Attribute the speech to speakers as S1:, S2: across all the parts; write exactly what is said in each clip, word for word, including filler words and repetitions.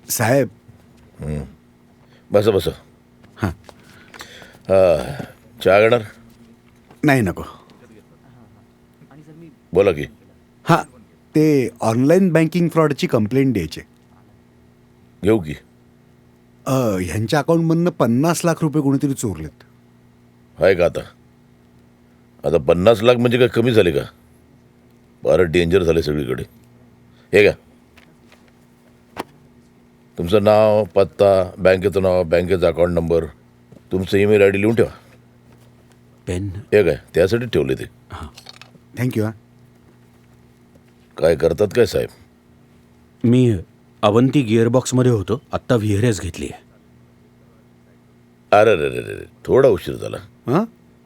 S1: साहेब.
S2: बस बस.
S1: हां.
S2: चहा घेणार?
S1: नाही नको.
S2: बोला की.
S1: हां, ते ऑनलाईन बँकिंग फ्रॉडची कंप्लेंट द्यायची.
S2: घेऊ की.
S1: ह्यांच्या अकाउंटमधनं पन्नास लाख रुपये कोणीतरी चोरलेत.
S2: आहे का आता? आता पन्नास लाख म्हणजे काय कमी झाले का? फारच डेंजर झाले सगळीकडे. हे का तुमचं नाव, पत्ता, बँकेचं नाव, बँकेचा अकाउंट नंबर, तुमचं ईमेल आय डी लिहून ठेवा.
S1: पेन.
S2: हे काय त्यासाठी ठेवले ते.
S1: हां, थँक्यू. हां.
S2: काय करतात काय साहेब?
S3: मी अवंती गिअरबॉक्समध्ये होतो, आत्ता व्ही आर एस घेतली आहे.
S2: अरे रे रे रे थोडा उशीर झाला.
S1: हां.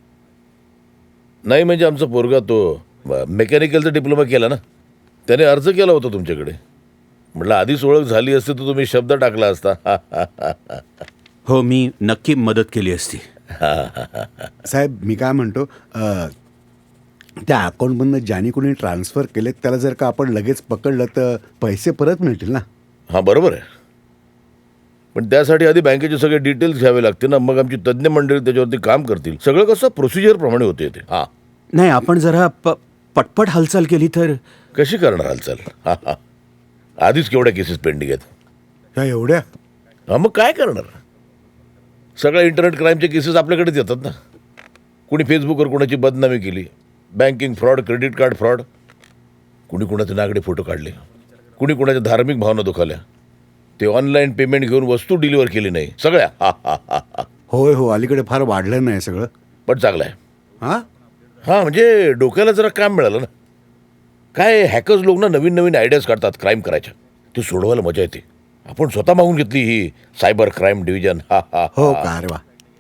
S2: नाही म्हणजे आमचा पोरगा तो मेकॅनिकलचा डिप्लोमा केला ना, त्याने अर्ज केला होता तुमच्याकडे. म्हटलं आधीच ओळख झाली असती तर तुम्ही शब्द टाकला असता.
S3: हो, मी नक्की मदत केली असती.
S1: साहेब मी काय म्हणतो, त्या अकाउंटमधनं ज्याने कोणी ट्रान्सफर केलेत त्याला जर का आपण लगेच पकडलं तर पैसे परत मिळतील ना?
S2: हां बरोबर आहे, पण त्यासाठी आधी बँकेचे सगळे डिटेल्स घ्यावे लागतील ना. मग आमची तज्ज्ञ मंडळी त्याच्यावरती काम करतील. सगळं कसं प्रोसिजरप्रमाणे होते ते. हां
S3: नाही, आपण जरा प पटपट हालचाल केली तर.
S2: कशी करणार हालचाल? हां हां आधीच केवढ्या केसेस पेंडिंग आहेत.
S1: ह्या एवढ्या?
S2: हां मग काय करणार? सगळ्या इंटरनेट क्राईमच्या केसेस आपल्याकडेच येतात ना. कुणी फेसबुकवर कोणाची बदनामी केली, banking fraud, credit card fraud, कुणी कुणाचे नागडे फोटो काढले, कुणी कुणाच्या धार्मिक भावना दुखावल्या, ते ऑनलाईन पेमेंट घेऊन वस्तू डिलिव्हर केली नाही, सगळ्या. हा हा हा हा
S1: होय हो, अलीकडे फार वाढलं नाही सगळं.
S2: पण चांगलं आहे.
S1: हां
S2: हां म्हणजे डोक्याला जरा काम मिळालं ना. काय हॅकर्स लोक ना नवीन नवीन आयडियाज काढतात क्राईम करायच्या, ते सोडवायला मजा येते. आपण स्वतः मागून घेतली ही सायबर क्राईम डिव्हिजन. हा हा
S1: हो का? अरे वा.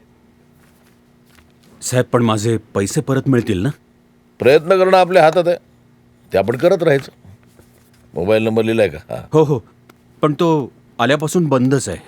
S3: साहेब पण माझे पैसे परत मिळतील ना?
S2: प्रयत्न करणं आपल्या हातात आहे, ते आपण करत राहायचं. मोबाईल नंबर लिहिलाय का? हां
S3: हो हो, पण तो आल्यापासून बंदच आहे.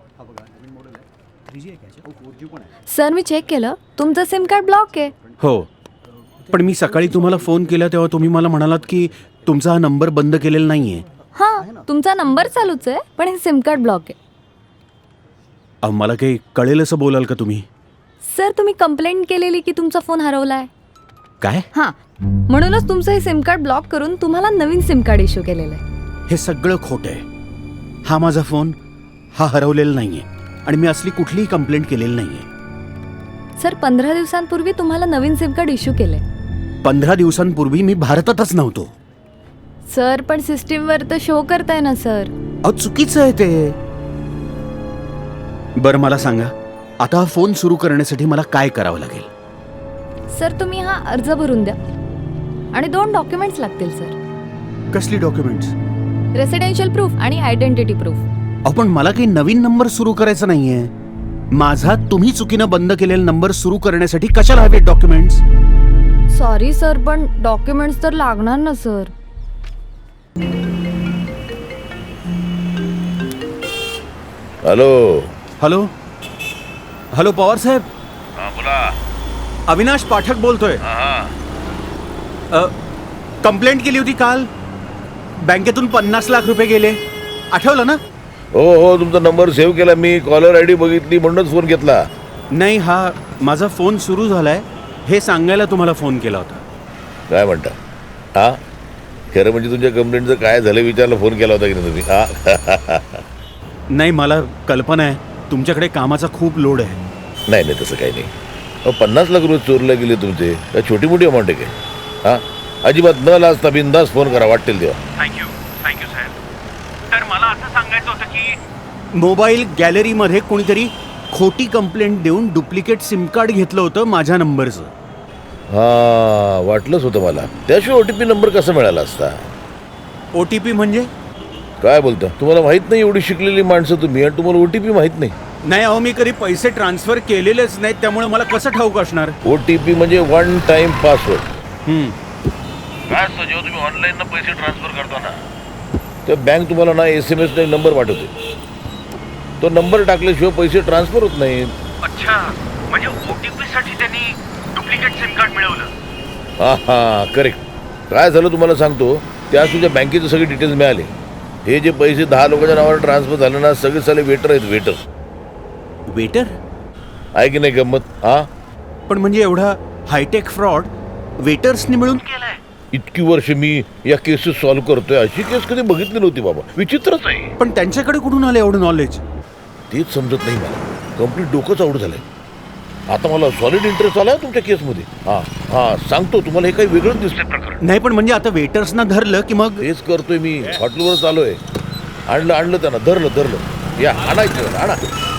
S4: सर मी चेक केलं, तुमचं सिम कार्ड ब्लॉक आहे.
S3: हो, पण मी सकाळी तुम्हाला फोन केला तेव्हा तुम्ही मला म्हणालात की तुमचा हा नंबर बंद केलेला नाही आहे.
S4: हां, तुमचा नंबर चालूच आहे, पण हे सिम कार्ड ब्लॉक आहे.
S3: अहो, मला काही कळेल असं बोलाल का तुम्ही?
S4: सर तुम्ही कंप्लेंट केलेली की तुमचा फोन हरवलाय.
S3: काय?
S4: हां, म्हणूनच तुमचं हे सिम कार्ड ब्लॉक करून तुम्हाला नवीन सिम कार्ड इश्यू केलेलं आहे.
S3: हे सगळं खोटं आहे. हा माझा फोन हा हरवलेला नाही आहे आणि मी असली कुठलीही कंप्लेंट केलेली नाही आहे.
S4: सर पंधरा दिवसांपूर्वी तुम्हाला नवीन सिम कार्ड इश्यू केलंय.
S3: पंधरा दिवसांपूर्वी मी भारतातच नव्हतो.
S4: सर पण सिस्टीमवर तर शो करताय ना सर.
S3: अहो चुकीचं आहे ते. बरं मला सांगा, आता हा फोन सुरू करण्यासाठी मला काय करावं लागेल?
S4: सर तुम्ही हा अर्ज भरून द्या आणि दोन डॉक्युमेंट्स लागतील सर.
S3: कसली डॉक्युमेंट्स?
S4: रेसिडेन्शियल प्रूफ आणि आयडेंटिटी प्रूफ.
S3: अहो पण मला काही नवीन नंबर सुरू करायचा नाहीये. माझा तुम्ही चुकीनं बंद केलेला नंबर सुरू करण्यासाठी कशाला हवे डॉक्युमेंट्स?
S4: सॉरी सर, पण डॉक्युमेंट्स तर लागणार ना sir.
S2: Hello
S3: hello hello Pawar साहेब.
S2: हां बोला.
S3: अविनाश पाठक बोलतोय.
S2: हां
S3: कंप्लेंट केली होती काल, बँकेतून पन्नास लाख रुपये गेले, आठवलं ना?
S2: हो हो तुमचा नंबर सेव्ह केला मी, कॉलर आय डी बघितली म्हणूनच फोन घेतला.
S3: नाही, हा माझा फोन सुरू झालाय हे सांगायला तुम्हाला फोन केला होता.
S2: काय म्हणता? हां खरं म्हणजे तुमच्या कंप्लेंटचं काय झालं विचारलं फोन केला होता की नाही तुम्ही? हां
S3: नाही, मला कल्पना आहे तुमच्याकडे कामाचा खूप लोड आहे.
S2: नाही नाही तसं काही नाही. अहो पन्नास लाख रुपये चोरले गेले तुमचे, काय छोटी मोठी अमाऊंट आहे काय? हां अजिबात न लाजता बिंदास फोन करा वाटेल तेव्हा.
S3: थँक्यू थँक्यू साहेब. तर मला असं सांगायचं होतं की मोबाईल गॅलरीमध्ये कोणीतरी खोटी कंप्लेंट देऊन डुप्लिकेट सिम कार्ड घेतलं होतं माझ्या नंबरचं.
S2: हां वाटलंच होतं मला. त्याशिवाय ओ टी पी नंबर कसा मिळाला असता?
S3: ओ टी पी म्हणजे?
S2: काय बोलता? तुम्हाला माहीत नाही एवढी शिकलेली माणसं तुम्ही आणि तुम्हाला ओ टी पी माहीत नाही?
S3: नाही अहो, मी कधी पैसे ट्रान्सफर केलेलेच नाहीत, त्यामुळे मला कसं ठाऊक असणार?
S2: ओ टी पी म्हणजे वन टाइम पासवर्ड.
S3: हम्म.
S2: काय असतं जेव्हा तुम्ही ऑनलाईन पैसे ट्रान्सफर करता ना, तर बँक तुम्हाला ना एस एम एस नाही नंबर पाठवते. तो नंबर टाकल्याशिवाय पैसे ट्रान्सफर होत नाहीत.
S3: अच्छा, म्हणजे ओ टी पी साठी त्यांनी डुप्लिकेट सिम कार्ड मिळवलं.
S2: हां हां करेक्ट. काय झालं तुम्हाला सांगतो, त्या तुझ्या बँकेचे सगळे डिटेल्स मिळाले हे जे पैसे दहा लोकांच्या नावावर ट्रान्सफर झाले ना, सगळे साले वेटर आहेत, वेटर.
S3: वेटर?
S2: आहे की नाही गंमत? हा,
S3: पण म्हणजे एवढा हायटेक फ्रॉड वेटर्सनी मिळून केलाय?
S2: इतकी वर्ष मी या केसेस सॉल्व्ह करतोय, अशी केस कधी बघितली नव्हती बाबा. विचित्रच आहे.
S3: पण त्यांच्याकडे कुठून आलं एवढं नॉलेज?
S2: तेच समजत नाही मला. कम्प्लीट डोकंच आउट झालंय. आता मला सॉलिड इंटरेस्ट आलाय तुमच्या केसमध्ये. हा हा सांगतो तुम्हाला, हे काही वेगळंच दिसतंय प्रकरण.
S3: नाही पण म्हणजे आता वेटर्सना धरलं की मग?
S2: तेच करतोय मी. हॉटेलवर चालूय. आणलं आणलं त्यांना, धरलं धरलं. या आणायचं, आणा.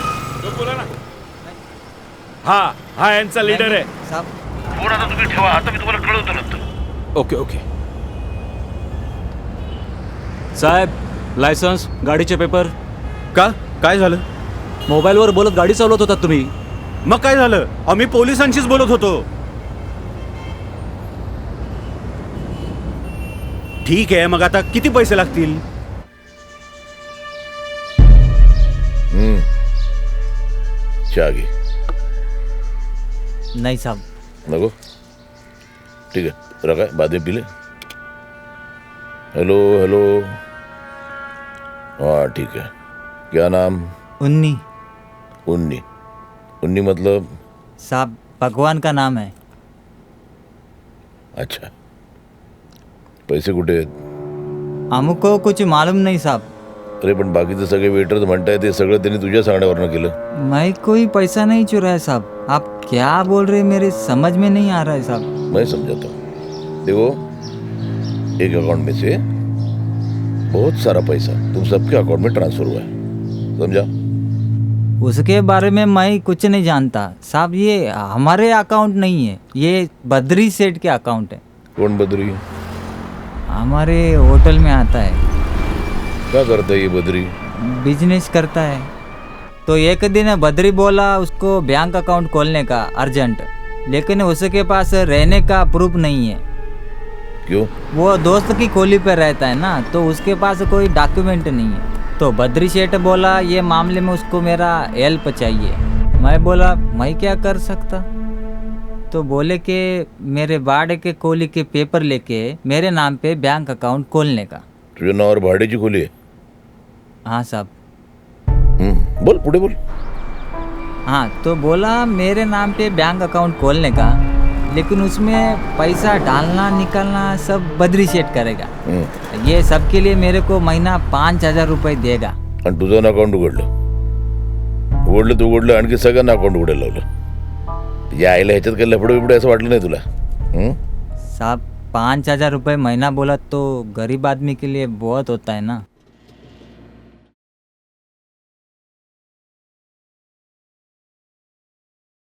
S5: हा हा यांचा लीडर आहे.
S2: फोन आता तुम्ही ठेवा, आता मी तुम्हाला कळवतो नंतर.
S5: Okay okay. साहेब, लायसन्स, गाडीचे पेपर.
S3: का काय झालं?
S5: मोबाईलवर बोलत गाडी चालवत होता तुम्ही.
S3: मग काय झालं? आम्ही पोलिसांशीच बोलत होतो. ठीक आहे, मग आता किती पैसे लागतील?
S2: हम्म चहा घे.
S6: नहीं साहब.
S2: नको, ठीक है, रखा है, बाद में पी ले. Hello hello. हाँ ठीक है. क्या नाम?
S6: उन्नी.
S2: उन्नी. उन्नी मतलब?
S6: साहब भगवान का नाम है.
S2: अच्छा. पैसे कुठे आहेत?
S6: हमको कुछ मालूम नहीं साहब.
S2: अरे पण बाकीचे सगळे वेटर्स म्हणताय ते सगळं त्यांनी तुझ्या सांगण्यावरनं केलं.
S6: मैं कोई पैसा नहीं चुराया साहब. आप क्या बोल रहे हैं, मेरे समझ में नहीं आ रहा है साहब.
S2: मैं समझाता हूँ. देखो, एक अकाउंट में से बहुत सारा पैसा तुम सबके अकाउंट में ट्रांसफर हुआ है, समझा?
S6: उसके बारे में मैं कुछ नहीं जानता साहब. ये हमारे अकाउंट नहीं है, ये बद्री सेठ के अकाउंट है.
S2: कौन बद्री?
S6: हमारे होटल में आता है.
S2: क्या करता है ये बद्री?
S6: बिजनेस करता है. तो एक दिन बद्री बोला उसको बैंक अकाउंट खोलने का अर्जेंट, लेकिन उसके पास रहने का प्रूफ नहीं है.
S2: क्यों?
S6: वो दोस्त की कोली पे रहता है ना, तो उसके पास कोई डॉक्यूमेंट नहीं है. तो बद्री सेठ बोला ये मामले में उसको मेरा हेल्प चाहिए. मैं बोला मैं क्या कर सकता. तो बोले कि मेरे भाड़े के कोली के पेपर लेके मेरे नाम पे बैंक अकाउंट खोलने का.
S2: तुझे नावावर भाड्याची खोली आहे?
S6: हाँ साहब.
S2: हम्म, बोल पुढे बोल.
S6: हाँ, तो बोला मेरे नाम पे बैंक अकाउंट खोलने का, लेकिन उसमें पैसा डालना निकालना सब बद्री सेठ करेगा.
S2: हम्म.
S6: ये सब के लिए मेरे को महीना पाँच हजार रुपये देगा.
S2: आणि तुझं अकाउंट उघडलं उघडलं तू उघडलं आणखी सगळ्यांना अकाउंट उघडायला लावलं. या आईला ह्याच्यात काही लफडं बिफडं असं वाटलं नाही तुला? हम्म?
S6: साहब पाँच हजार रुपये महीना बोला तो गरीब आदमी के लिए बहुत होता है ना.